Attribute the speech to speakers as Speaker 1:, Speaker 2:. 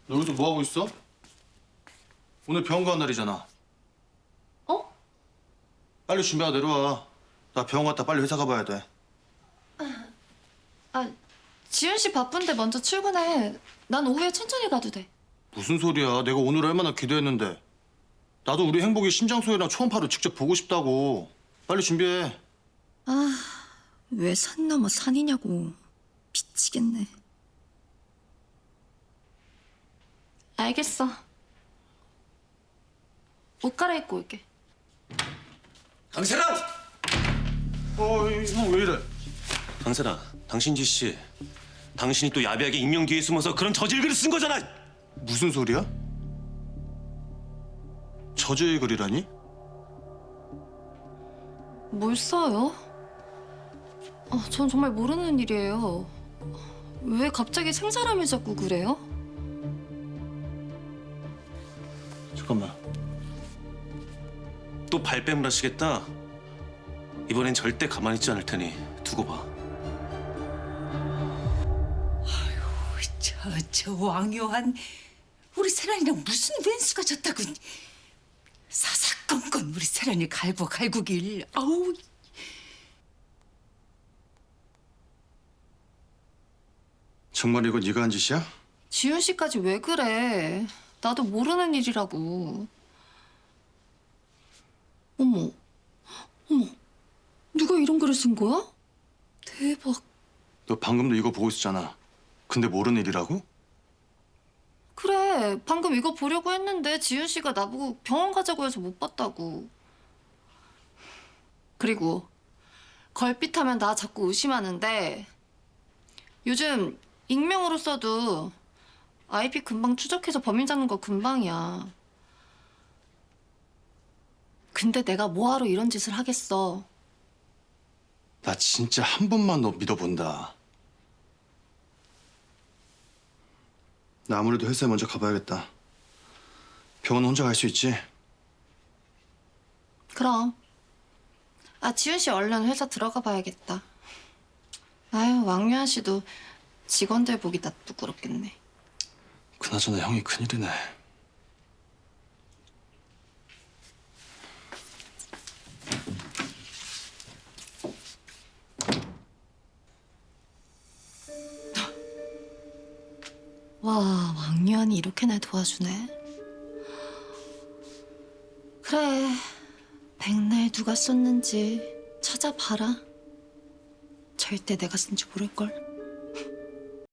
Speaker 1: 너 여기서 뭐 하고 있어? 오늘 병원 가는 날이잖아.
Speaker 2: 어?
Speaker 1: 빨리 준비하고 내려와. 나 병원 갔다 빨리 회사 가봐야 돼.
Speaker 2: 아, 지윤 씨 바쁜데 먼저 출근해. 난 오후에 천천히 가도 돼.
Speaker 1: 무슨 소리야? 내가 오늘 얼마나 기대했는데. 나도 우리 행복이 심장소리랑 초음파로 직접 보고 싶다고. 빨리 준비해.
Speaker 2: 왜 산 넘어 산이냐고. 미치겠네. 알겠어. 옷 갈아입고 올게.
Speaker 3: 강세랑!
Speaker 1: 형 왜 이래?
Speaker 3: 강세랑, 당신 짓이 당신이 또 야비하게 익명 뒤에 숨어서 그런 저질글을 쓴 거잖아!
Speaker 1: 무슨 소리야? 저주의 글이라니?
Speaker 2: 뭘 써요? 전 정말 모르는 일이에요. 왜 갑자기 생사람을 잡고 그래요?
Speaker 1: 잠깐만.
Speaker 3: 또 발뺌을 하시겠다? 이번엔 절대 가만히 있지 않을 테니 두고 봐.
Speaker 4: 저 왕요한 우리 세란이랑 무슨 왼수가 졌다고 사사건건 우리 세란이 갈구길. 아우.
Speaker 1: 정말 이거 네가 한 짓이야?
Speaker 2: 지윤 씨까지 왜 그래? 나도 모르는 일이라고. 어머, 누가 이런 글을 쓴 거야? 대박.
Speaker 1: 너 방금도 이거 보고 있었잖아. 근데 모르는 일이라고?
Speaker 2: 그래, 방금 이거 보려고 했는데 지윤 씨가 나보고 병원 가자고 해서 못 봤다고. 그리고 걸핏하면 나 자꾸 의심하는데 요즘 익명으로 써도 IP 금방 추적해서 범인 잡는 거 금방이야. 근데 내가 뭐하러 이런 짓을 하겠어.
Speaker 1: 나 진짜 한 번만 너 믿어본다. 나 아무래도 회사에 먼저 가봐야겠다. 병원 혼자 갈 수 있지?
Speaker 2: 그럼. 지윤 씨 얼른 회사 들어가 봐야겠다. 아유, 왕유한 씨도 직원들 보기 나 부끄럽겠네.
Speaker 1: 그나저나 형이 큰일이네.
Speaker 2: 와, 왕유한이 이렇게 날 도와주네. 그래, 백날 누가 썼는지 찾아봐라. 절대 내가 쓴지 모를걸.